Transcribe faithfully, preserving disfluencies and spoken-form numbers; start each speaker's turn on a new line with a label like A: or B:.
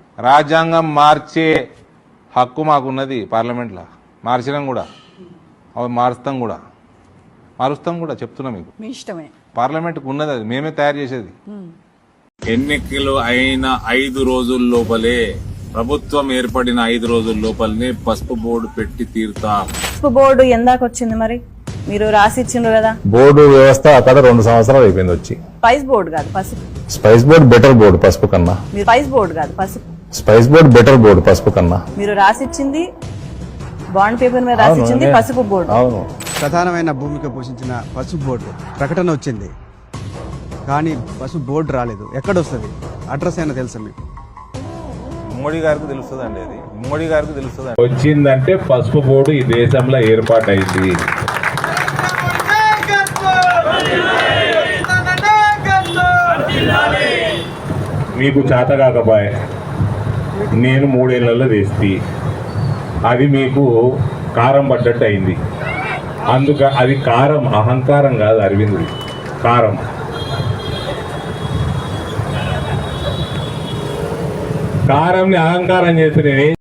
A: రాజ్యాంగం మార్చే హక్కు మాకున్నది పార్లమెంట్లో. మార్చినాం కూడా, అవి మారుస్తాం కూడా, మారుస్తాం కూడా చెప్తున్నా మీకు.
B: మీ ఇష్టమే.
A: పార్లమెంట్కి ఉన్నది, అది మేమే తయారు చేసేది.
C: ఎన్నికలు అయిన ఐదు రోజుల లోపలే, ప్రభుత్వం ఏర్పడిన ఐదు రోజుల లోపలనే పసుపు బోర్డు పెట్టి తీరుతాం.
D: పసుపు బోర్డు ఎందాక వచ్చింది మరి? మీరు రాసి ఇచ్చిండ్రు కదా.
E: బోర్డు వ్యవస్థ అక్కడ రెండు సంవత్సరాలు అయిపోయింది వచ్చి.
D: స్పైస్ బోర్డు కాదు పసుపు.
E: స్పైస్ బోర్డు బెటర్ బోర్డు పసుపు కన్నా.
D: మీరు స్పైస్ బోర్డు కాదు పసుపు.
E: స్పైస్ బోర్డు బెటర్ బోర్డు పసుపు కన్నా.
D: మీరు రాసిచ్చింది బాండ్ పేపర్ మీద రాసిచ్చింది పసుపు బోర్డు.
E: అవును.
F: ప్రధానమైన భూమిక పోషించిన పసుపు బోర్డు ప్రకటన వచ్చింది, కానీ పసుపు బోర్డు రాలేదు. ఎక్కడొస్తుంది? అడ్రస్ అయినా తెలుసా మీకు?
A: మోడీ గారికి తెలుస్తుంది అండి, అది మోడీ గారికి తెలుస్తుంది.
G: వచ్చిందంటే పసుపు బోర్డు ఈ దేశంలో ఏర్పాటైంది. మీకు చేత కాకపోయే నేను మూడేళ్లలో వేస్తే అది మీకు కారం పడ్డట్టు అయింది. అందుక అది కారం, అహంకారం కాదు అరవింద్, కారం. కారంని అహంకారం చేస్తే నేను